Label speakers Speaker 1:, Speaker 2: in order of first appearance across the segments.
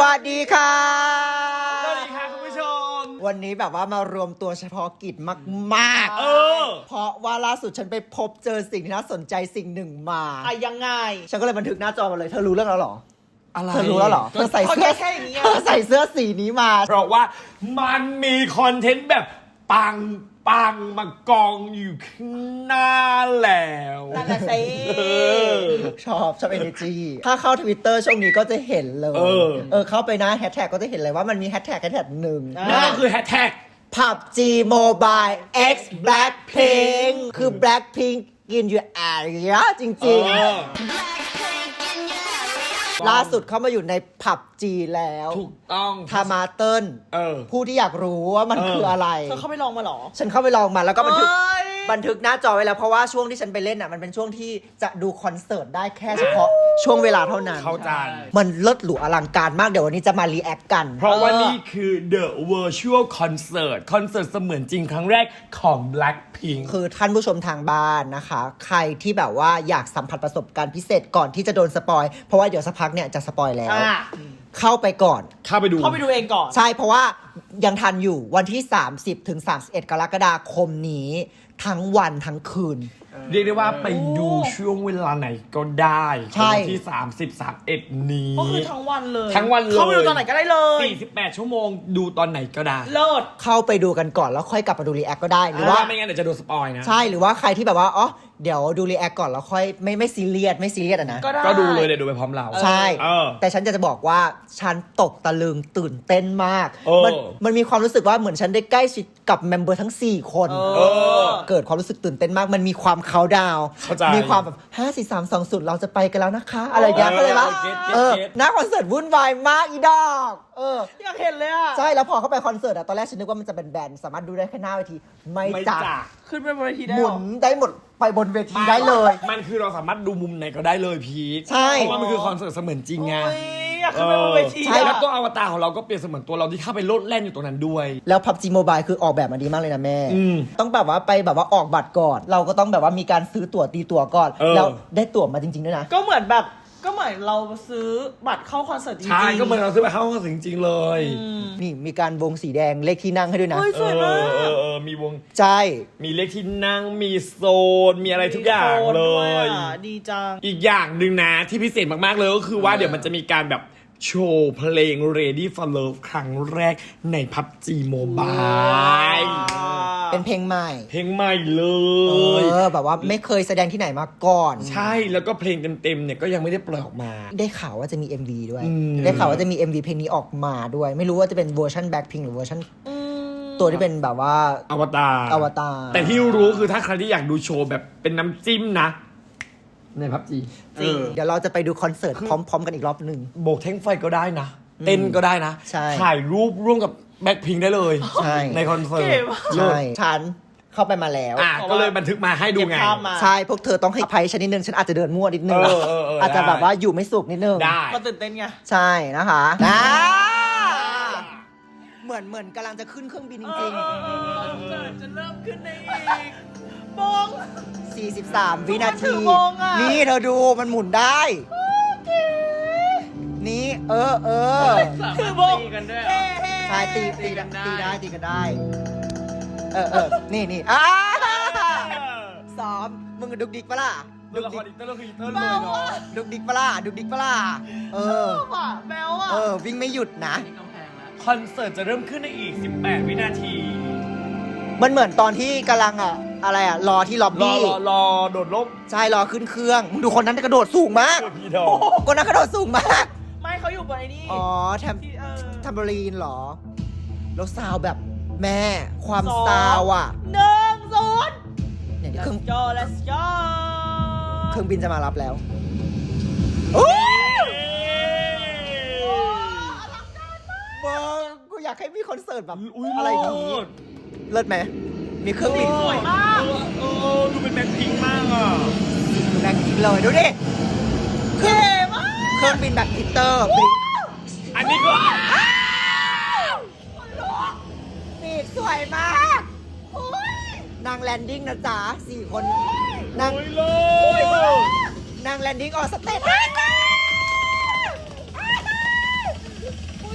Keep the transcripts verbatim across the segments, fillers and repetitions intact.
Speaker 1: วัสดีค่ะ
Speaker 2: สวัสดีค่ะคุณผู้ชม
Speaker 1: วันนี้แบบว่ามารวมตัวเฉพาะกิจมากๆ
Speaker 2: เออ
Speaker 1: เพราะว่าล่าสุดฉันไปพบเจอสิ่งที่น่าสนใจสิ่งหนึ่งมา
Speaker 3: อ่ะยังไง
Speaker 1: ฉันก็เลยบันทึกหน้าจอมาเลยเธอรู้เรื่องแล้วเหรอ
Speaker 2: อะไร
Speaker 1: เธอรู้แล้วเหรอเธอใส่เสื้อ
Speaker 3: แค่อย่างนี้
Speaker 1: เธอใส่เสื้อสีนี้มา
Speaker 2: เพราะว่ามันมีคอนเทนต์แบบปังปังมากองอยู่ข้างหน้าแล้ว
Speaker 3: นั่นน่ะสิ
Speaker 2: เออ
Speaker 1: ชอบชอบ energy ถ้าเข้า Twitter ช่วงนี้ก็จะเห็นเลย
Speaker 2: เออ
Speaker 1: เออเข้าไปนะแฮชแท็กก็จะเห็นเลยว่ามันมีแฮชแท็กแฮชแท็กหนึ่ง
Speaker 2: นั่นก็คือแฮชแท็ก
Speaker 1: พับ จี Mobile X Blackpink คือ Blackpink กินอยู่แอร์จริง
Speaker 2: เออ
Speaker 1: ๆ ล่าสุดเข้ามาอยู่ในผับจีแล้ว
Speaker 2: ถูกต้อง
Speaker 1: ทามาเติ้ล
Speaker 2: เออ
Speaker 1: ผู้ที่อยากรู้ว่ามัน
Speaker 2: เออ
Speaker 1: คืออะไร
Speaker 3: เธอเข้าไปลองมาเหรอ
Speaker 1: ฉันเข้าไปลองมาแล้วก็บันทึก
Speaker 3: เอ้ย
Speaker 1: บันทึกหน้าจอไว้แล้วเพราะว่าช่วงที่ฉันไปเล่นอ่ะมันเป็นช่วงที่จะดูคอนเสิร์ตได้แค่เฉพาะช่วงเวลาเท่านั้น
Speaker 2: เข้าใจ
Speaker 1: มันเลิศหรูอลังการมากเดี๋ยววันนี้จะมารีแอคกัน
Speaker 2: เพราะว่านี่คือ The Virtual Concert คอนเสิร์ตเสมือนจริงครั้งแรกของ Blackpink
Speaker 1: คือท่านผู้ชมทางบ้านนะคะ ใครที่แบบว่าอยากสัมผัสประสบการณ์พิเศษก่อนที่จะโดนสปอยเพราะว่าเดี๋ยวสักพักเนี่ยจะสปอยแล้ว
Speaker 3: อ่ะ
Speaker 1: เข้าไปก่อน
Speaker 2: เข้าไปดู
Speaker 3: เข้าไปดูเองก่อน
Speaker 1: ใช่เพราะว่ายังทันอยู่วันที่ สามสิบถึงสามสิบเอ็ด กรกฎาคมนี้ ทั้งวันทั้งคืน
Speaker 2: เรียกได้ว่าไปดูช่วงเวลาไหนก็ได้
Speaker 1: ใช่
Speaker 2: วันที่ สามสิบ สามสิบเอ็ด นี้
Speaker 3: ก็คือทั้งวันเลย
Speaker 2: ทั้งวันเลย
Speaker 3: เข้าไปดูตอนไหนก็ได้เลย
Speaker 2: สี่สิบแปด ชั่วโมงดูตอนไหนก็ได้
Speaker 3: เลิศ
Speaker 1: เข้าไปดูกันก่อนแล้วค่อยกลับมาดูรีแอคก็ได้หรือ
Speaker 2: เพราะ
Speaker 1: ว่า
Speaker 2: ว่าไม่งั้นเดี๋ยวจะโดนสปอยนะ
Speaker 1: ใช่หรือว่าใครที่แบบว่าอ๋อเดี๋ยวดูรีแอคก่อนแล้วค่อยไม่ไม่ซีเรียสไม่ซีเรียสอะนะ
Speaker 3: ก็ได้
Speaker 2: ก็ดูเลยเดี๋ยวดูไปพร้อมเรา
Speaker 1: ใช่
Speaker 2: เออ
Speaker 1: แต่ฉันจะจะบอกว่าฉันตกตะลึงตื่นเต้นมาก
Speaker 2: เออ
Speaker 1: มันมันมีความรู้สึกว่าเหมือนฉันได้ใกล้ชิดกับเมมเบอร์ทั้งสี่คน
Speaker 3: เออ
Speaker 1: เกิดความรู้สึกตื่นเต้นมากมันมีความเขาดาวน์
Speaker 2: เข้าใจ
Speaker 1: มีความแบบห้า สี่ สาม สอง ศูนย์เราจะไปกันแล้วนะคะ อะไรอย่างเงี้ย
Speaker 2: เออ
Speaker 1: เข้าใจปะ
Speaker 2: เก็ตเก็ต
Speaker 1: เออ
Speaker 2: เก็ต
Speaker 1: หน้าคอนเสิร์ตวุ่นวายมากอีดอกเออ
Speaker 3: อยากเห็นเลยอ่ะ
Speaker 1: ใช่แล้วพอเข้าไปคอนเสิร์ตอะตอนแรกฉันนึกว่ามันจะเป็นแบนด์สามารถดูได้แค่หน้าเวทีไม่
Speaker 2: ไม่
Speaker 1: จ้ะ
Speaker 2: จ้ะ
Speaker 3: ขึ้นไปบนเวทีได้
Speaker 1: ห
Speaker 3: เห
Speaker 1: มุ
Speaker 3: รอ
Speaker 1: นได้หมดไปบนเวทีได้เลย
Speaker 2: มันคือเราสามารถดูมุมไหนก็ได้เลยพีท
Speaker 1: ใช่
Speaker 2: เพราะว่ามันคือคอนเสิร์ตเสมือนจริงไง
Speaker 3: โอ้ยอยากขึ้นไปบนเวที
Speaker 1: ใช่
Speaker 2: แล้
Speaker 3: อะ
Speaker 2: วตัวอวตารของเราก็เปรียบเสมือนตัวเราที่เข้าไปโลดแล่นอยู่ตรงนั้นด้วย
Speaker 1: แล้ว พับ จี Mobile คือออกแบบมาดีมากเลยนะแม่
Speaker 2: อืม
Speaker 1: ต้องแบบว่าไปแบบว่าออกบัตรก่อน เราก็ต้องแบบว่ามีการซื้อตั๋วตีตั๋วก่อน
Speaker 2: เออ
Speaker 1: แล้วได้ตั๋วมาจริงๆด้วยนะ
Speaker 3: ก็เหมือนแบบก็เหมือนเราซื้อบัตรเข้าคอนเสิร์ตจริงๆ
Speaker 2: ใช่ก็เหมือนเราซื้อไปเข้าคอนเสิร์ตจริงๆเลย
Speaker 1: นี่มีการวงสีแดงเลขที่นั่งให้ด้วยนะ
Speaker 3: เฮ้ย
Speaker 2: เอ
Speaker 3: สวย
Speaker 2: อ
Speaker 3: มาก
Speaker 2: เออเออมีวง
Speaker 1: ใช่
Speaker 2: มีเลขที่นั่งมีโซน มีอะไรทุกอย่าง
Speaker 3: มีโซน
Speaker 2: เล
Speaker 3: ด้วย
Speaker 2: ย
Speaker 3: อ่ะดีจัง
Speaker 2: อีกอย่างหนึ่งนะที่พิเศษมากๆเลยก็คือว่าเดี๋ยวมันจะมีการแบบโชว์เพลง Ready for Love ครั้งแรกใน พับ จี Mobile
Speaker 1: เป็นเพลงใหม่
Speaker 2: เพลงใหม่เล
Speaker 1: เอย อแบบว่าไม่เคยแสดงที่ไหนมาก่อน
Speaker 2: ใช่แล้วก็เพลงเต็มๆเนี่ยก็ยังไม่ได้ปล่อยออกมา
Speaker 1: ได้ข่าวว่าจะมี เอ็ม วี ด้วย
Speaker 2: อืม
Speaker 1: ได้ข่าวว่าจะมี เอ็ม วี เพลงนี้ออกมาด้วย ไม่รู้ว่าจะเป็นเวอร์ชัน Blackpink หรือเวอร์ชันตัวที่เป็นแบบว่า
Speaker 2: อวตาร
Speaker 1: อวตาร
Speaker 2: แต่ที่รู้คือถ้าใครที่อยากดูโชว์แบบเป็นน้ำจิ้มนะ ใน พับ จี
Speaker 1: จริงเดี๋ยวเราจะไปดูคอนเสิร์ตพร้อม ๆ กันอีกรอบหนึ่ง
Speaker 2: โบกแท่งไฟก็ได้นะ เต้นก็ได้นะ
Speaker 1: ใช่
Speaker 2: ถ่ายรูปร่วมกับแบ็คพิงได้เลย
Speaker 1: ใช่
Speaker 2: ในคอนเสิร์ต
Speaker 3: เก๋มาก
Speaker 1: ใช่ฉันเข้าไปมาแล้ว
Speaker 2: อ่ะก็เลยบันทึกมาให้ดูไง
Speaker 3: เก็บภาพมา
Speaker 1: ใช่ พวกเธอต้องให้อภัยฉันนิดนึง ฉันอาจจะเดินมั่วนิดนึง
Speaker 2: เออเออเออ
Speaker 1: อาจจะ
Speaker 2: ได้
Speaker 1: แบบว่าอยู่ไม่สุขนิดนึง
Speaker 2: ได้
Speaker 3: มาตื่นเต้นไง
Speaker 1: ใช่นะคะนะเหมือนเหมือนกำลังจะขึ้นเครื่องบินจริง
Speaker 3: คอนเสิร์ตจะเริ่มขึ้นได้อีกบง
Speaker 1: ๆ สี่สิบสาม วินา
Speaker 3: ถื
Speaker 1: ที
Speaker 3: อวงอะ
Speaker 1: นี่เธอดูมันหมุนได้ นี่ เออเออ
Speaker 3: คือบงกันด้วย
Speaker 1: ใช่ตีตีตีได้ตีกันได้ เออเออนี่นี่อ่าซ้อมมึงดุกดิกปะล่ะ
Speaker 2: ดู
Speaker 1: ดุก
Speaker 2: ละค
Speaker 1: ดิ
Speaker 2: ร
Speaker 1: ก
Speaker 2: อีเตอร์ก็คืออีเตอร์เลยเนาะ
Speaker 1: ดุกดิกปะล่ะดุกดิกปะล่ะเออ
Speaker 3: อ่ะแมวอ่ะ
Speaker 1: เออ วิ่งไม่หยุดนะ
Speaker 2: คอนเสิร์ตจะเริ่มขึ้นในอีก สิบแปด วินาที
Speaker 1: มันเหมือนตอนที่กำลังอ่ะ อะไรอ่ะ รอที่ล็อบ
Speaker 2: รอ
Speaker 1: บี้
Speaker 2: รอรอโดดร่ม
Speaker 1: ใช่ รอขึ้นเครื่องมึงดูคนนั้นกระโดดสูงมาก
Speaker 2: เออพี่ดอก
Speaker 1: คนนั้นกระโดดสูงมาก
Speaker 3: ไม่เขาอยู่บนไอ้นี่
Speaker 1: อ๋อแทม
Speaker 3: ที่เออ
Speaker 1: แทมเบอรีนเหรอ แล้วซาวแบบแม่ความ
Speaker 3: สอง
Speaker 1: ซาวอ่ะ
Speaker 3: หนึ่งศูนย์
Speaker 1: เนี่ยเดี๋ยวเครื่อง
Speaker 3: let's go let's go
Speaker 1: เครื่องบินจะมารับแล้วโอ้มึงกูอยากให้มีคอนเสิร์ตแบบ
Speaker 2: อุ้ย
Speaker 1: อะไรอย่างนี้เลิศไหมมีเครื่องบิน
Speaker 3: สวยมาก
Speaker 2: เออเออดูเป็นแบ็คพิงค์มากอ่ะ
Speaker 1: แบ็คพิงเลยดูดิเครื่อง
Speaker 3: เก๋มาก
Speaker 1: เครื่องบินแบบพิเตอร์บิน
Speaker 2: อันนี้ก็
Speaker 1: ปีกสวยมาก
Speaker 3: โอ้ย
Speaker 1: นางแลนดิ้งนะจ๊ะสี่คนนาง
Speaker 2: โอ้ยเลย
Speaker 1: นางแลนดิ้งออกสเตจ
Speaker 3: อุ้ย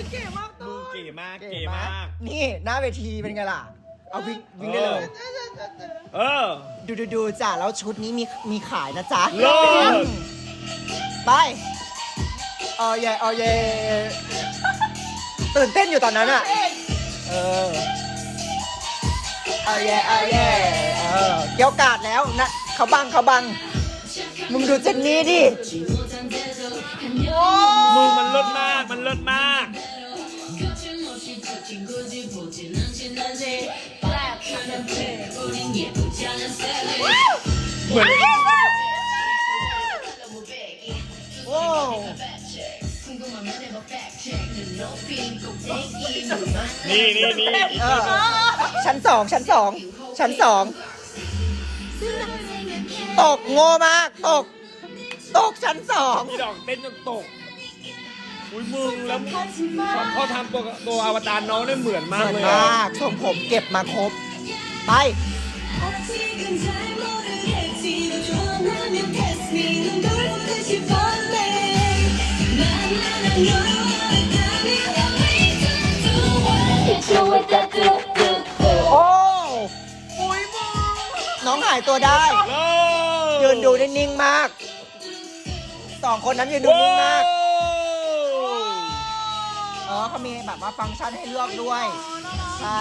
Speaker 2: มากเก๋มาก
Speaker 1: นี่หน้าเวทีเป็นไงล่ะ เอาวิ่งวิ่งได้เลย
Speaker 2: เออ
Speaker 1: ดูดูดูจ้ะแล้วชุดนี้มีมีขายนะจ๊ะ
Speaker 2: เลิศ
Speaker 1: ไปเออเย่เออเย่ตื่นเต้นอยู่ตอนนั้นอะเออเออเย่เออเย่เออเกี่ยวกาดแล้วนะเขาบังเขาบังมึงดูเจนนี่ดิ
Speaker 2: มึงมันเลิศมากมันเลิศมาก เหมือน
Speaker 1: โอ้
Speaker 2: นี่นี่นี่
Speaker 1: เออชั้นสองชั้นสองชั้นสองตกโง่มากตกตกชั้นสอง
Speaker 2: พี่ดอกเต้นจนตก อุ้ยมึงแล้วเขาทำตัวตัวอวตารน้องได้เหมือนมาก
Speaker 1: เหมื
Speaker 2: เล
Speaker 1: อน
Speaker 2: ย
Speaker 1: มากทรงผมเก็บมาครบ ไป โอ้น้องหายตัวได้ ยืนดูได้นิ่งมาก สองคนนั้นยืนดูนิ่งมาก เออเขามีแบบว่าฟังก์ชันให้เลือกด้วย ใช่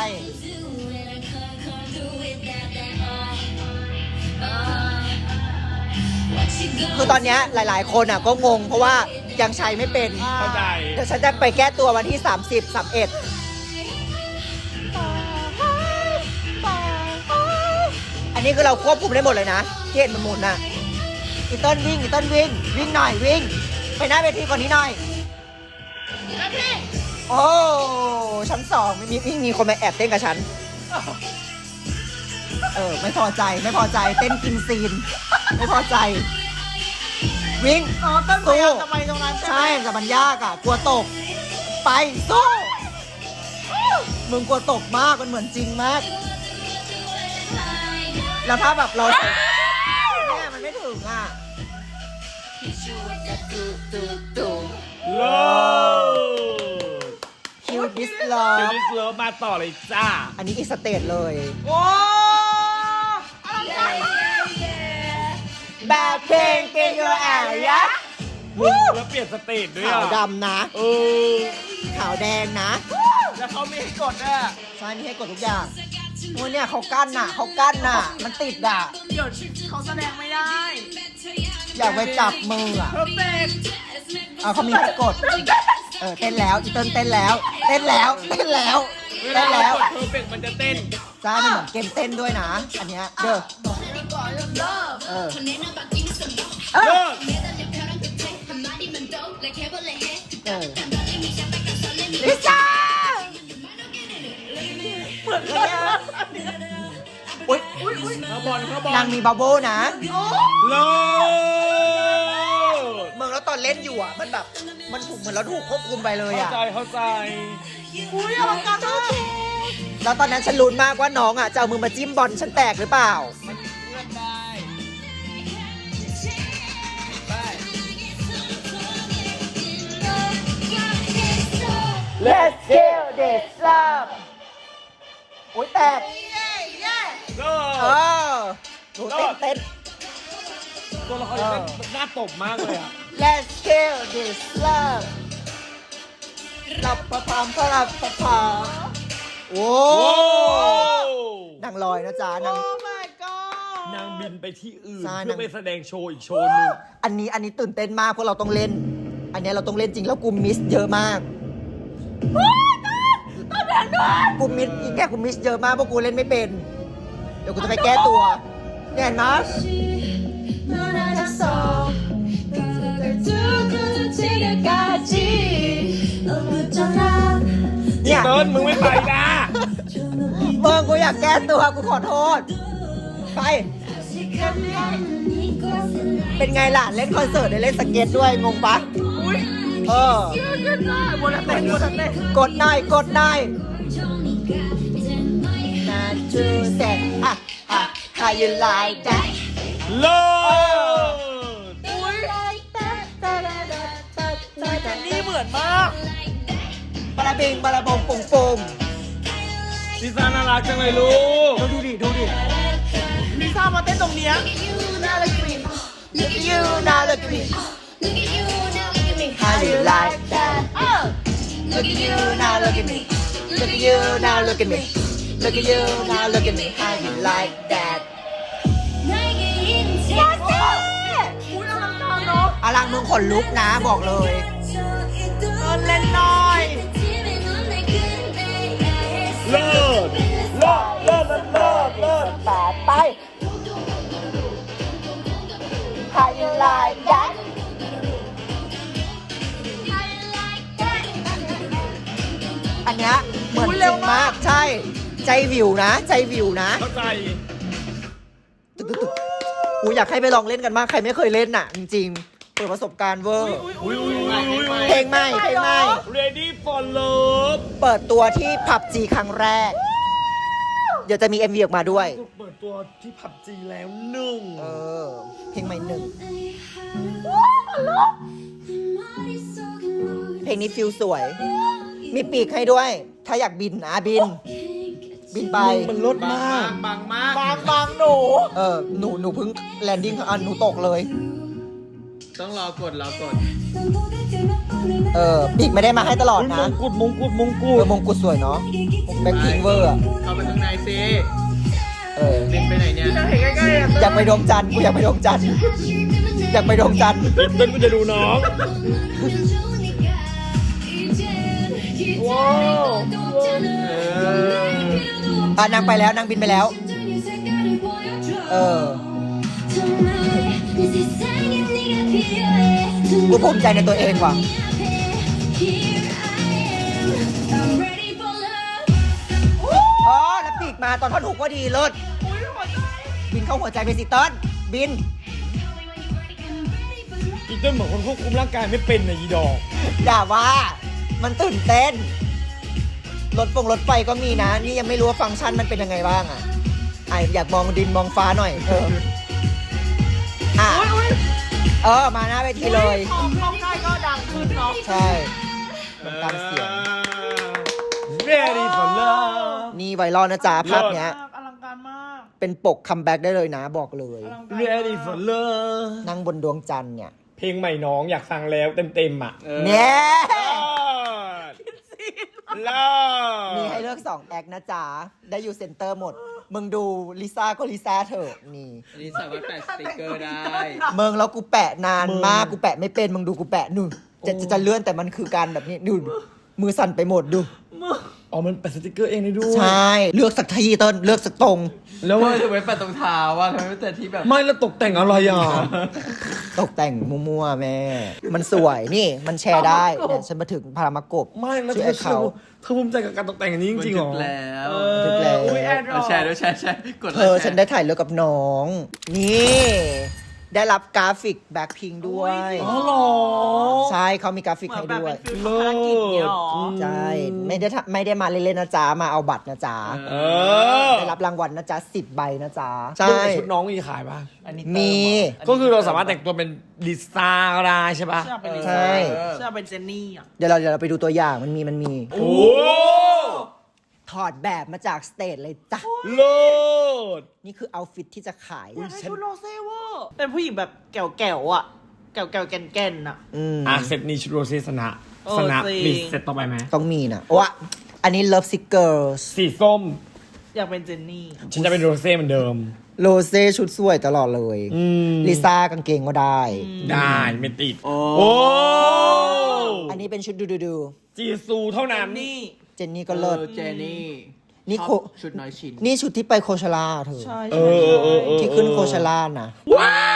Speaker 1: คือตอนเนี้ยหลาย ๆ คนอ่ะก็งงเพราะว่ายังใช้ไม่เป็น
Speaker 2: เข้าใจ
Speaker 1: เดี๋ยวฉันจะไปแก้ตัววันที่ สามสิบ สามสิบเอ็ด อันนี้คือเราควบคุมได้หมดเลยนะที่เห็นมันหมุนน่ะอีเติ้ลวิ่งอีเติ้ลวิ่ง วิ่งหน่อยวิ่ง ไปหน้าเวทีก่อนนี้หน่อย โอ้ชั้นสองมีมีมีคนมาแอบเต้นกับฉัน เออ ไม่พอใจไม่พอใจเต้นกินซีน ไม่พอใจ วิ่ง
Speaker 3: อ๋อต้นพยายามจะไปตรงนั้นใช่ไหม
Speaker 1: ใช่แต่มันยากอ่ะ กลัวตก ไปสู้มึงกลัวตกมากมันเหมือนจริงมาก แล้วถ้าแบบเราใส่เนี่ยมันไม่ถึงอ่ะ
Speaker 2: เลิศ
Speaker 1: คิวดิสลอ
Speaker 2: เดี๋ยว
Speaker 1: ฟ
Speaker 2: ดิสเลิฟมาต่อเลยจ้า
Speaker 1: อันนี้อีกสเตจเลย
Speaker 3: โอ้
Speaker 1: แบบเพลงเกยร์แอร์ยะ
Speaker 2: มึงแล้วเปลี่ยนสเตจด้วย
Speaker 1: ขาว
Speaker 2: อ่ะ
Speaker 1: ดำนะ
Speaker 2: เออ
Speaker 1: ขาวแดงนะ
Speaker 3: แล้วเขามีให้กดด้วย
Speaker 1: ใช่มีให้กดทุกอย่างโอ้ยเนี่ยเขากั้นน่ะเขากั้นน่ะ มันติดอ่ะ
Speaker 3: เดี๋ยวเขาแสดงไม่ได้
Speaker 1: อยากไปจับมืออ่ะ
Speaker 3: เพอร์เฟกต์
Speaker 1: เอาเขามีให้กด เออเต้นแล้วอีเติ้ลเต้นแล้ว เต้นแล้ว เต้นแล้ว
Speaker 2: เว
Speaker 1: เต้
Speaker 2: ลาน
Speaker 1: แล้ว
Speaker 2: กดเพอร์เฟกมันจะเต้น
Speaker 1: จ้ามันเหมือนเกมเต้นด้วยนะ อันเนี้ยเด้อเออ
Speaker 2: เลิศ
Speaker 1: เออลิซ่าเหมือนกันนะอุ้ย
Speaker 2: เข้าบอลเข้าบอล
Speaker 1: นางมีบับเบิ้ลนะ
Speaker 2: เลิศ
Speaker 1: เมืองแล้วตอนเล่นอยู่อ่ะ มันแบบ มันถูกเหมือนเราถูกควบคุมไปเลย
Speaker 2: เข้า
Speaker 1: อ่ะ
Speaker 2: ใจเข้าใจ
Speaker 3: อุ้ยอลังการมาก
Speaker 1: แล้วตอนนั้นฉันลุ้นมากว่าน้องอ่ะจะเอามือมาจิ้มบอลฉันแตกหรือเปล่า
Speaker 3: มันเลื่อนได้
Speaker 1: Let's kill this love โอ้ยแตก
Speaker 2: เลิ
Speaker 1: เอ
Speaker 2: ศ
Speaker 1: อหนูเต้นเต้น
Speaker 2: ตัวละครนี้เป็นหน้าตบมากเลยอ่ะ
Speaker 1: Let's kill this love รับประพามพระรับประพาโอ้
Speaker 2: โอ้
Speaker 1: นางลอยนะจ๊ะนาง
Speaker 3: โอ้ my god
Speaker 2: นางบินไปที่อื่น
Speaker 1: ใช่
Speaker 2: เพื่
Speaker 1: นา
Speaker 2: อง ไปแสดงโชว์อีกโชว์หนึง
Speaker 1: อันนี้อันนี้ตื่นเต้นมากเพราะเราต้องเล่น อันเนี้ยเราต้องเล่นจริงแล้วกูมิสเยอะมากกูมิสอีกแค่กูมิสเยอะมากเพราะกูเล่นไม่เป็น เดี๋ยวกูจะไปแก้ตัวเนี่ยเห็นไหมเนี่ย
Speaker 2: เติ้ลมึงไม่ไปนะ
Speaker 1: เมืองกูอยากแก้ตัวกูขอโทษ ไป เป็นไงล่ะ เล่นคอนเสิร์ตได้เล่นสเก็ตด้วย งงปะ
Speaker 3: อุ้ย
Speaker 1: เออ
Speaker 3: ขึ้นได้บนเต้นบนเต้น
Speaker 1: กดหน่อยกดหน่อยนาจูเซอ่ะอ่ะ how you like that
Speaker 2: เลิศ
Speaker 3: อุ้ยเจนนี่เหมือนมาก
Speaker 1: ปลาบิงบาราบงปุงปุง
Speaker 2: ลิซ่าน่ารักจังเลยลูก
Speaker 1: ดูดิดูดิ
Speaker 3: ลิซ่ามาเต้นตรงเนี้ย
Speaker 1: Look at you now look at me How you like that Look at you now look at me Look at you now look at me Look at you now look at me How you like that อลังมึงขนลุกนะบอกเลย
Speaker 3: เล่นหน่อย
Speaker 2: เลิศเลิศเลิศเลิศเลิศ
Speaker 1: แปดไป How you like that อันเนี้ยเหมือนจริงมากใช่ ใจวิวนะ ใจวิวนะ
Speaker 2: เข้าใจ
Speaker 1: ตึกตึกตึกอูอยากให้ไปลองเล่นกันมาก ใครไม่เคยเล่นน่ะ จริงๆ เปิดประสบการณ์เวอร์
Speaker 2: อุ้ยอุ้ยอุ้ยอุ้ย
Speaker 1: เพลงใหม่เพลงใหม่
Speaker 2: Ready for Love
Speaker 1: เปิดตัวที่ผับจีครั้งแรก เดี๋ยวจะมี เอ็ม วี ออกมาด้วย
Speaker 2: เปิดตัวที่ผับจีแล้วหนึ่ง
Speaker 1: เออ เพลงใหม่หนึ่ง เพลงนี้ฟิลสวย มีปีกให้ด้วย ถ้าอยากบินนะบิน บินไป
Speaker 2: มันลดมาก
Speaker 3: บางมาก
Speaker 1: บางบางหนู เออ หนู หนูเพิ่งแลนดิ้งอ่ะหนูตกเลย
Speaker 3: ต้องรอกดรอกด
Speaker 1: เออ ปีกไม่ได้มาให้ตลอด
Speaker 2: ม
Speaker 1: นะ
Speaker 2: งกุฎมงกุฎมงกุ
Speaker 1: เอ
Speaker 2: ฎ
Speaker 1: อมงกุฎสวยเนาะแบ็คพิงเวอร์อะ
Speaker 3: เข้าไปข้างในซิ
Speaker 1: เออ
Speaker 3: บินไปไหนเนี่ย
Speaker 1: อยากไปดวงจันทร์กูอยากไปดวงจันทร์อยากไปดวงจันทร์
Speaker 2: เต้นกูจะดูน้อง
Speaker 1: ว้าว
Speaker 3: เออ
Speaker 1: อ่ะนางไปแล้วนางบินไปแล้ว เออ กูภูมิใจในตัวเองว่ะ อ๋อ แล้วปีกมาตอนท่อนฮุกก็ดีเลิศบินเข้าหัวใจไปสิเติ้ลบิน
Speaker 2: อีเต้นเหมือนคนควบคุมร่างกายไม่เป็นนะอีดอก
Speaker 1: อย่าว่ามันตื่นเต้น รถฟงรถไฟก็มีนะ นี่ยังไม่รู้ว่าฟังก์ชันมันเป็นยังไงบ้างอ่ะไออยากมองดินมองฟ้าหน่อย เออ อ่ะ เออ มาหน้าเวทีเลย
Speaker 3: พอเข้าใกล้ก็ดังขึ้นเนาะ
Speaker 1: ใช่มันตามเสียง
Speaker 2: Ready for Love
Speaker 1: นี่ไวรัลนะจ๊ะ ภาพเนี้ย
Speaker 3: อลังการมาก
Speaker 1: เป็นปกคัมแบ็กได้เลยนะ บอกเลย
Speaker 3: อลังการ
Speaker 2: Ready for Love
Speaker 1: นั่งบนดวงจันทร์เนี่ย
Speaker 2: เพลงใหม่น้องอยากฟังแล้วเต็มๆอ่ะ
Speaker 1: เนี่ย
Speaker 2: เลิศ
Speaker 1: มีให้เลือกสองแอคนะจ๊ะ ได้อยู่เซ็นเตอร์หมด มึงดูลิซ่าก็ลิซ่าเถอะนี่
Speaker 3: อันนี้สามารถแปะสติกเกอร์ได้
Speaker 1: มึงแล้วกูแปะนานมาก กูแปะไม่เป็น มึงดูกูแปะนู่นจะจะจะเลื่อนแต่มันคือการแบบนี้นู่นมือสั่นไปหมดดู
Speaker 2: อ๋อมันแปะสติกเกอร์เองได้ด้วย
Speaker 1: ใช่ เลือกสักทีเต้นเลือกสักตรง
Speaker 2: แล้ว
Speaker 3: ทำ
Speaker 2: ว่า
Speaker 3: ไมถึงไม่แปะตรงเท้าว่าทำไมไม่แปะที่แบบ
Speaker 2: ไม่แล้วตกแต่งอะไรอ่ะ
Speaker 1: ตกแต่งมั่วๆแม่ มันสวยนี่มันแชร์ได้เนี่ยฉันมาถึงพารามากบ
Speaker 2: ไม่แล้ว
Speaker 1: ชื่อ
Speaker 2: เธ
Speaker 1: แอ
Speaker 2: อ
Speaker 1: คเขา
Speaker 2: เธอภูมิใจกับการตกแต่งอันนี้จริงๆเหรอ
Speaker 3: มันถึแล้ว
Speaker 1: ถึงแล้ว
Speaker 3: อุ้ยแอดรอแชร์ด้วยแชร์แชร์กด
Speaker 1: เธอฉันได้ถ่ายเลือกกับน้อง นี่ ได้รับกราฟิกแบ็คพิงด้วย
Speaker 2: อ๋อเหรอ
Speaker 1: ใช่เขามีกราฟิก
Speaker 3: เหมือ
Speaker 1: ให้
Speaker 3: นแบบ
Speaker 1: ด้วย
Speaker 3: เป็นฟิลภารกิจเนี่ยหรอ
Speaker 1: ใช่ ไม่ได้ทำไม่ได้มาเล่นๆนะจ๊ะ มาเอาบัตรนะจ๊ะ
Speaker 2: เออ
Speaker 1: ได้รับรางวัลนะจ๊ะสิบใบนะจ๊ะ
Speaker 2: ใช่
Speaker 1: ใช่
Speaker 2: ชุดน้องมีขายป่ะ
Speaker 3: อันนี้
Speaker 1: มี
Speaker 2: ก็คือเราสามารถแต่งตัวเป็นลิซ่าก็ได้ใช่ป่ะ
Speaker 3: เชื่อเป็นลิ
Speaker 1: ใช่
Speaker 3: ซ่าเชื่อเป็นเจนนี่อ่ะ
Speaker 1: เดี๋ยวเราเดี๋ยวเราไปดูตัวอย่างมันมีมันมี
Speaker 2: โอ้
Speaker 1: ถอดแบบมาจากสเตจเลยจ้ะ
Speaker 2: เลิศ
Speaker 1: นี่คือเอาฟิตที่จะขาย
Speaker 3: อยากได้ชุดโรเซ่เวอร์เป็นผู้หญิงแบบแก่วๆอ่ะ แก่วๆแก่นๆอ่ะ
Speaker 1: อืม
Speaker 2: อ่ะเซตนี้ชุดโรเซสนะ
Speaker 3: เออ
Speaker 2: สนะ
Speaker 3: จริง
Speaker 2: มีเซตต่อไปไหม
Speaker 1: ต้องมีนะวะอันนี้ Love Sick Girls
Speaker 2: สีส้ม
Speaker 3: อยากเป็นเจนนี่
Speaker 2: ฉันจะเป็นโรเซ่เหมือนเดิม
Speaker 1: โรเซ่ชุดสวยตลอดเลย
Speaker 2: อืม
Speaker 1: ลิซ่ากางเกงก็ได้
Speaker 2: ได้ไม่ติด
Speaker 3: โอ้
Speaker 2: โอ้
Speaker 1: อันนี้เป็นชุดดูดูดู
Speaker 2: จีซูเท่านั้น
Speaker 3: นี่
Speaker 1: เจนนี่ก็เลิศ
Speaker 3: ออเจนนี่
Speaker 1: นี่โค
Speaker 3: ชอบชุดน้อยชิ้น
Speaker 1: นี่ชุดที่ไปโคชาลาเธอ
Speaker 3: ใช่
Speaker 2: เอ
Speaker 3: ใช่
Speaker 2: อเออเออ
Speaker 1: ที่ขึ้นโคชาลานะ
Speaker 2: ว้าย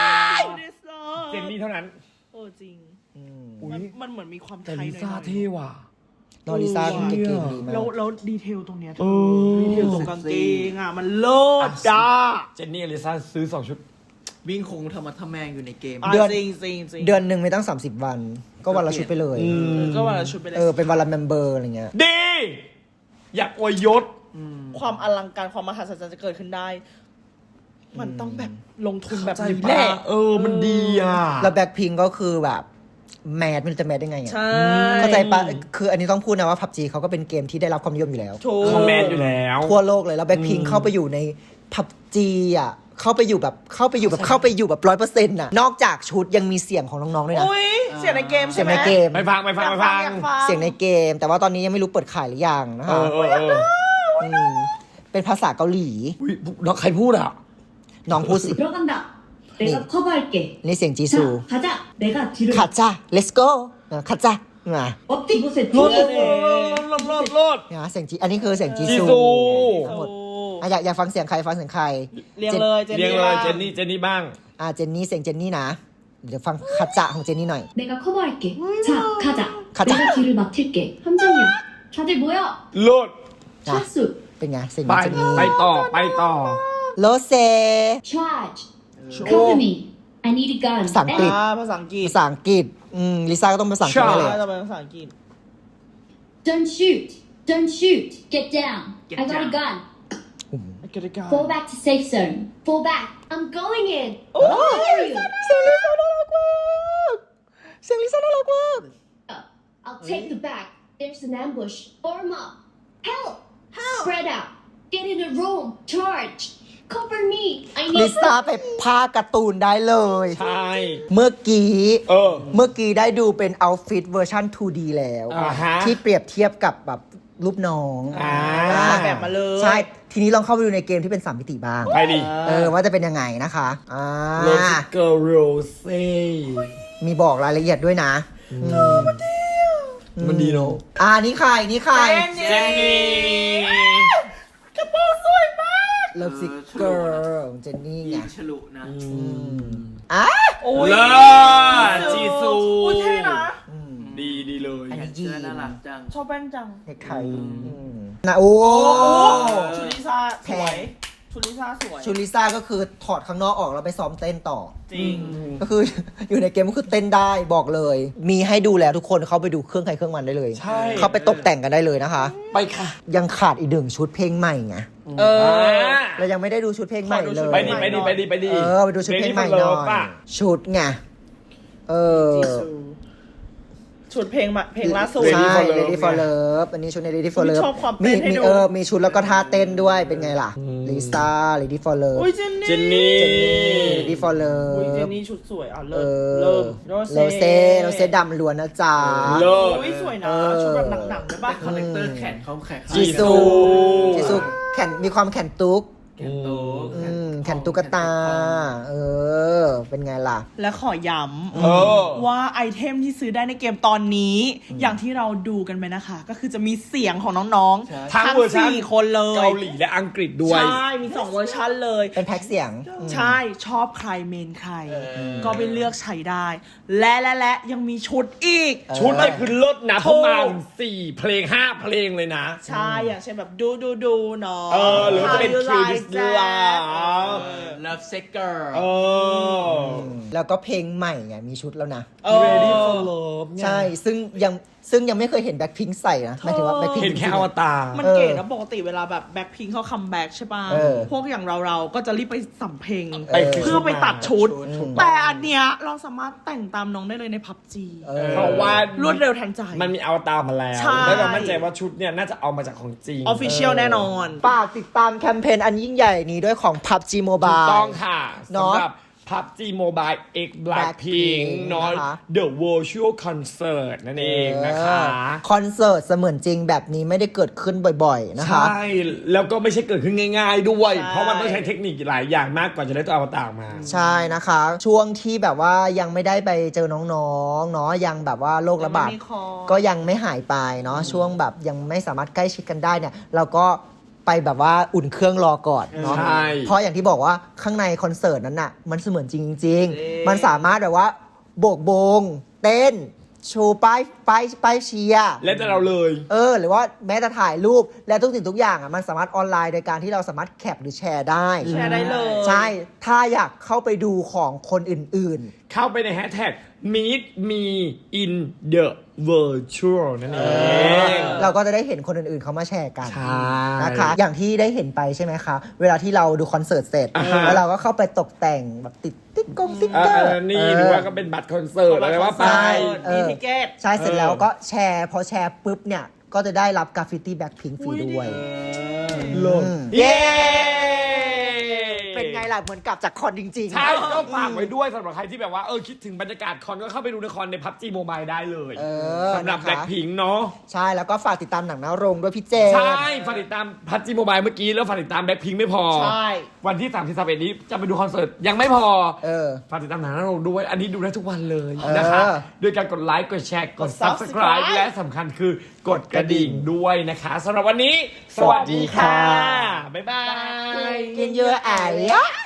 Speaker 3: เดสโล
Speaker 2: เจนนี่เท่านั้น
Speaker 3: เออจริง
Speaker 2: อุ๊ย
Speaker 3: มันมันเหมือนมีความไท
Speaker 2: แต่
Speaker 3: ยหน่
Speaker 2: ลิ
Speaker 3: อยๆ
Speaker 2: ซ่าเท่ว่ะ
Speaker 1: นอลิซ่ากางเกงดีมาก
Speaker 3: แล้วแล้วดีเทลตรงเนี้ยเธ
Speaker 2: เอ
Speaker 3: อ
Speaker 2: อ
Speaker 3: ดีเทลตรงกางเกงอ่ะ มันเลิศจ้า
Speaker 2: เจนนี่กับลิซ่าซื้อสองชุด
Speaker 3: วิ่งคงธรรมะทแมงอยู่ในเกม
Speaker 1: เดือน
Speaker 3: จริงจริงจริง
Speaker 1: เดือนหนึ่งไม่ตั้งสามสิบวัน ก็วันละชุดไปเลย
Speaker 2: อืม
Speaker 3: ก็ว่าเราชุดไปเลย
Speaker 1: เออ เป็นวันละเมมเบอร์อะไรเงี้ย
Speaker 2: ดี อยากอวยยศ
Speaker 3: ความอลังการความมหัศจรรย์จะเกิดขึ้นได้ มันต้องแบบลงทุนแบบ
Speaker 2: ใจ
Speaker 3: นี้
Speaker 2: ปะ
Speaker 3: แหละ
Speaker 2: เออ มันดีอ่ะ
Speaker 1: แล้วแบ็คพิงก็คือแบบแมสไม่รู้จะแมสได้ไงอ่ะ
Speaker 3: ใช่
Speaker 1: เข้าใจปะคืออันนี้ต้องพูดนะว่า พับจี เขาก็เป็นเกมที่ได้รับความนิยมอยู่แล้ว
Speaker 3: ถูก
Speaker 2: คอมเมนต์อยู่แล้ว
Speaker 1: ทั่วโลกเลยแล้วแบ็คพิงเข้าไปอยู่ใน พับจี อ่ะเข้าไปอยู่แบบเข้าไปอยู่แบบเข้าไปอยู่แบบร้อยเปอร์เซ็นต์่ะนอกจากชุดยังมีเสียงของน้องๆด้วยนะ
Speaker 3: อุ้ยเสียงในเกม
Speaker 1: เสี
Speaker 3: ใช่
Speaker 1: ยง
Speaker 3: ไหม
Speaker 1: ในเกม
Speaker 2: ไปฟังไปฟังไปฟัง
Speaker 3: อยากฟัง
Speaker 1: เสียงในเกม แต่ว่าตอนนี้ยังไม่รู้เปิดขายหรือยังนะ
Speaker 2: เอ
Speaker 1: คะ
Speaker 2: อเออเออ
Speaker 1: มเป็นภาษาเกาหลี
Speaker 2: อุ๊ยน้องใครพูดอ่ะ
Speaker 1: น้องพูดสิ
Speaker 4: 들어간다. 내가 커버할게.
Speaker 1: นี่เสียงจีซู
Speaker 4: 자, 가자. 내가 뒤를
Speaker 1: ขัดจ้า let's go ขัดจ้ามา
Speaker 4: 엎드 이곳에
Speaker 2: รถ
Speaker 4: 뒤를
Speaker 2: รถรถรถ
Speaker 1: เนี่ยเสียงจีอันนี้คือเสียงจี
Speaker 2: จี
Speaker 1: ซู
Speaker 2: ซู
Speaker 1: ทั้งหมดอ่ะอยากอยากฟังเสียงใครฟังเสียงใคร
Speaker 3: เรียงเลยเจน
Speaker 2: เรียง
Speaker 3: นี่
Speaker 2: เลย
Speaker 3: บ้าง
Speaker 2: เจนนี่เจนนี่บ้าง
Speaker 1: อ่ะเจนนี่เสียงเจนนี่นะเดี๋ยวฟังขัดจ้าของเจนนี่หน่อย
Speaker 4: 내가 커버할게. 자, 가자.
Speaker 1: 가자.
Speaker 4: 내가 뒤를 맡을게. 함정이야. 다들 모여.
Speaker 2: รถ
Speaker 1: จ้ะ
Speaker 4: 차수.
Speaker 1: เป็นไงเสียง
Speaker 2: ไป
Speaker 1: เจนนี่
Speaker 2: ไปต่อไปต่อ
Speaker 1: โลเซ
Speaker 4: Charge. Cover me. I need a gun.
Speaker 1: ภาษาอังกฤษ
Speaker 3: อ่าภาษาอังกฤษ
Speaker 1: ภาษาอังกฤษอืมลิซ่าก็ต้องภาษาอังกฤษ
Speaker 2: ใช่
Speaker 1: แน่เลย
Speaker 3: น่า
Speaker 1: อะ
Speaker 3: จะเป็นภาษาอังกฤษ
Speaker 4: Don't shoot. Don't shoot. Get down.
Speaker 3: Get
Speaker 4: I got
Speaker 3: down.
Speaker 4: a gun.
Speaker 3: เกิดการ
Speaker 4: Fall back to safe zone. Fall back. I'm going in.
Speaker 3: โอ้
Speaker 4: How dare you?
Speaker 1: เสียงลิซ่าน่ารักมากเสียงลิซ่าน่ารักมาก
Speaker 4: I'll take the back. There's an ambush. Form up. Help. Help. Spread out. Get in a room. Charge. Cover me. I
Speaker 1: ลิ
Speaker 4: need
Speaker 1: ซ่าไปพากย์การ์ตูนได้เลย
Speaker 2: ใช่
Speaker 1: เมื่อกี้
Speaker 2: เออ
Speaker 1: เมื่อกี้ได้ดูเป็นเอาฟิตเวอร์ชัน ทู ดี แล้ว
Speaker 2: อ่าฮะ
Speaker 1: ที่เปรียบเทียบกับแบบรูปน้อง
Speaker 2: อ่า
Speaker 1: อ่า
Speaker 3: แบบมาเลย
Speaker 1: ใช่ ทีนี้ลองเข้าไปดูในเกมที่เป็นสามมิติบ้าง
Speaker 2: ไปดิ
Speaker 1: เออ ว่าจะเป็นยังไงนะคะอ่า
Speaker 2: โรสเกอร์โรเซ่
Speaker 1: มีบอกรายละเอียดด้วยนะอืม
Speaker 2: มันดีเนาะ
Speaker 1: อ่านี่ใคร นี่ใคร
Speaker 2: เจนนี่
Speaker 1: เลิฟซิกเกอร์เจนนี่ไง
Speaker 5: ฉลุนะ
Speaker 1: อ่ะ
Speaker 3: โอ้ย
Speaker 2: เลิศจีซู
Speaker 3: อุ้ยเท่นะ
Speaker 2: ดีดีเลย
Speaker 1: อันนี้
Speaker 5: เสื้อน่ารักจัง
Speaker 3: ชอบแป้นจัง
Speaker 1: เด็กไทยนะโอ้
Speaker 3: โอ้ชุลิซ่าส
Speaker 1: แพ
Speaker 3: วย
Speaker 1: ง
Speaker 3: ชุลิซ่าสวย
Speaker 1: ชูลิซ่าก็คือถอดข้างนอกออกแล้วไปซ้อมเต้นต่อ
Speaker 3: จริง
Speaker 1: ก็คือ อยู่ในเกมก็คือเต้นได้บอกเลย มีให้ดูแล้วทุกคนเข้าไปดูเครื่องใครเครื่องมันได้เลย
Speaker 2: ใช่
Speaker 1: เข้าไปตกแต่งกันได้เลยนะคะ
Speaker 2: ไปค่ะ
Speaker 1: ยังขาดอีกหนึ่งชุดเพลงใหม่ไง
Speaker 3: เออ
Speaker 1: เรายังไม่ได้ดูชุดเพลงใหม่
Speaker 3: ขอดู
Speaker 1: เล
Speaker 3: ชุด
Speaker 1: ย
Speaker 2: ไปดิไปดิไปดิไปดิ
Speaker 1: เออไปดูชุดเพลงใหม่หน่อย
Speaker 2: ป่ะ
Speaker 1: ชุดไงเออ
Speaker 3: จีซูชุดเพลงมาเพลงล่าสุด
Speaker 1: ใช่
Speaker 2: Ready for Love
Speaker 1: Ready for Love อันนี้ชุดใน Ready for
Speaker 3: อุ๊ย
Speaker 1: Love
Speaker 3: ชอบความ
Speaker 1: มี
Speaker 3: เต้นให้
Speaker 1: มี
Speaker 3: ดู
Speaker 1: เออมีชุดแล้วก็ท่าเต้นด้วยเป็นไงล่ะลิซ่า Ready for Love
Speaker 3: อุ้ยเจนนี่
Speaker 2: เจนนี่
Speaker 1: เจนนี่ Ready for
Speaker 3: อุ้ยเจน
Speaker 1: Love
Speaker 3: นี่ชุดสวยอ่ะ
Speaker 1: เอ
Speaker 3: เริ่ม
Speaker 1: อ
Speaker 3: เริ่ม
Speaker 1: โรเซ่โรเซ่ดำล้วนนะจ๊ะ
Speaker 2: เลิศ
Speaker 3: อุ้ยสวยนะ
Speaker 1: เออ
Speaker 3: ชุดแบบหนังๆด้วยป่ะ
Speaker 5: คาแรคเตอร์แขนเขาแขน
Speaker 1: จีซู
Speaker 2: จี
Speaker 1: จี
Speaker 2: ซู
Speaker 1: ซูแขนมีความแขนตุ๊ก
Speaker 5: แขนโต
Speaker 1: อืมแขนตุ๊กตา เออ เป็นไงล่ะ
Speaker 3: และขอย้
Speaker 2: เออ
Speaker 3: ำว่าไอเทมที่ซื้อได้ในเกมตอนนี้ อย่างที่เราดูกันไปนะคะ ก็คือจะมีเสียงของน้องๆ
Speaker 2: ทั้งเวอร์ชัน
Speaker 3: สี่คนเลย
Speaker 2: เกาหลีและอังกฤษด้วย
Speaker 3: ใช่ มีสองเวอร์ชันเลย
Speaker 1: เป็นแพ็กเสียง
Speaker 3: ใช่ชอบใครเมนใคร ก็ไปเลือกใช้ได้ และและและยังมีชุดอีก
Speaker 2: ชุดนี่คือลดนะประมาณสี่เพลงห้าเพลงเลยนะ
Speaker 3: ใช่ อย่างเช่นแบบดูดูดูเนาะ
Speaker 2: เออหรือจะเป็น
Speaker 3: How you
Speaker 2: Kill
Speaker 3: like
Speaker 2: This
Speaker 3: that
Speaker 2: Love
Speaker 5: เลิฟเซ็กเกอร์
Speaker 2: เออ
Speaker 1: แล้วก็เพลงใหม่ไงมีชุดแล้วนะ
Speaker 3: เออ
Speaker 2: Ready for Love ไง
Speaker 1: ใช่ ซึ่งยังซึ่งยังไม่เคยเห็นแบ็คพิงค์ใส่นะหมายถึงว่าแบ็คพิงค์
Speaker 2: เห็นแค่อวตาร
Speaker 3: มันเก๋นะปกติเวลาแบบแบ็คพิงเขาคัมแบ็กใช่ป่ะ
Speaker 1: เออ
Speaker 3: พวกอย่างเราเราๆก็จะรีบไปสัมเพลง
Speaker 2: ไป
Speaker 3: เพื่อไปตัดชุด
Speaker 1: ชุด
Speaker 3: แต่อันเนี้ยเราสามารถแต่งตามน้องได้เลยในพับจี
Speaker 1: เออ
Speaker 2: เพราะว่าร
Speaker 3: วดเร็วทันใจ
Speaker 2: มันมีอวตารมาแล้ว
Speaker 3: ใช่
Speaker 2: แล้วเรามั่นใจว่าชุดเนี่ยน่าจะเอามาจากของจริง
Speaker 3: ออฟฟิเชียลแน่นอน
Speaker 1: ฝากติดตามแคมเปญอันยิ่งใหญ่นี้ด้วยของ พับจี
Speaker 2: ถูก
Speaker 1: Mobile
Speaker 2: ต้องค่ะ
Speaker 1: เนอะ
Speaker 2: สำหรับ พับจี Mobile X Blackpink
Speaker 1: Blackpink
Speaker 2: เนาะ
Speaker 1: นะคะ
Speaker 2: The Virtual Concert นั่นเองนะคะ
Speaker 1: เออคอนเสิร์ตเสมือนจริงแบบนี้ไม่ได้เกิดขึ้นบ่อยๆ นะคะ
Speaker 2: ใช่ แล้วก็ไม่ใช่เกิดขึ้นง่าย ๆ ด้วย
Speaker 3: ใช่
Speaker 2: เพราะมันต้องใช้เทคนิคหลายอย่างมากกว่าจะได้ตัวอวตารมา
Speaker 1: ใช่นะคะ ช่วงที่แบบว่ายังไม่ได้ไปเจอน้องๆ เนาะยังแบบว่าโรคระบาด
Speaker 3: ยังไม่มีคอ
Speaker 1: ก็ยังไม่หายไปเนาะช่วงแบบยังไม่สามารถใกล้ชิดกันได้เนี่ย เราก็ไปแบบว่าอุ่นเครื่องรอก่อนเนาะ
Speaker 2: ใช่
Speaker 1: เพราะอย่างที่บอกว่าข้างในคอนเสิร์ตนั้นน่ะมันเสมือนจริงจริงๆมันสามารถแบบว่าโบกโบง เต้น โชว์ป้ายป้ายป้ายเชียร์
Speaker 2: และแต่เราเลย
Speaker 1: เออหรือว่าแม้แต่ถ่ายรูปและทุกสิ่งทุกอย่างอ่ะมันสามารถออนไลน์โดยการที่เราสามารถแคปหรือแชร์ได้
Speaker 3: แชร์ได้เลย
Speaker 1: ใช่ ถ้าอยากเข้าไปดูของคนอื่น
Speaker 2: เข้าไปในแฮชแท็ก meet me in the virtual นั่นเอง
Speaker 1: เราก็จะได้เห็นคนอื่นๆเขามาแชร์กัน
Speaker 2: ใช่
Speaker 1: นะคะ อย่างที่ได้เห็นไปใช่ไหมคะ เวลาที่เราดูคอนเสิร์ตเสร็จ
Speaker 2: อ่าฮะ
Speaker 1: แล้วเราก็เข้าไปตกแต่งแบบติดติ๊กกงติ๊ก
Speaker 2: เอ
Speaker 1: เกอร์
Speaker 2: อนี่หรือว่าก็เป็นบัตรคอนเสิร์ตอะไรว่าไป
Speaker 1: เอ
Speaker 3: มี
Speaker 1: อ
Speaker 3: ทิเก็ต
Speaker 1: ใช่เสร็จแล้วก็แชร์พอแชร์ปุ๊บเนี่ย ก็จะได้รับกราฟฟิตี้แบ็คพิงฟรีด้วย
Speaker 2: โลด
Speaker 1: อืม
Speaker 2: เย้
Speaker 1: เป็นไงล่ะ เหมือนกลับจากคอนจริงๆ
Speaker 2: ใช่ก็ฝากไว้ด้วยสำหรับใครที่แบบว่าเออคิดถึงบรรยากาศคอนก็เข้าไปดูในคอนในพับจีโมบายได้เลย
Speaker 1: เออ
Speaker 2: สำหรับ
Speaker 1: นะคะ
Speaker 2: แบล็คพิงเนาะ
Speaker 1: ใช่แล้วก็ฝากติดตามหนังหน้าโรงด้วยพี่เจ
Speaker 2: ใช่ฝากติดตามพับจีโมบายเมื่อกี้แล้วฝากติดตามแบล็คพิงไม่พอ
Speaker 3: ใช่
Speaker 2: วันที่สามสิบสามเอ็ดนี้จะไปดูคอนเสิร์ตยังไม่พอ
Speaker 1: เออ
Speaker 2: ฝากติดตามหนังหน้าโรงด้วย อันนี้ดูได้ทุกวันเลย
Speaker 1: เออ
Speaker 2: นะคะด้วยการกดไลค์กดแชร์กด
Speaker 3: กด
Speaker 2: subscribe
Speaker 3: Subscribe
Speaker 2: และสำคัญคือกดกระดิ่งด้วยนะคะสำหรับวันนี้ สวัสดีค่ะ บ๊ายบาย
Speaker 1: กินเยอะไอ้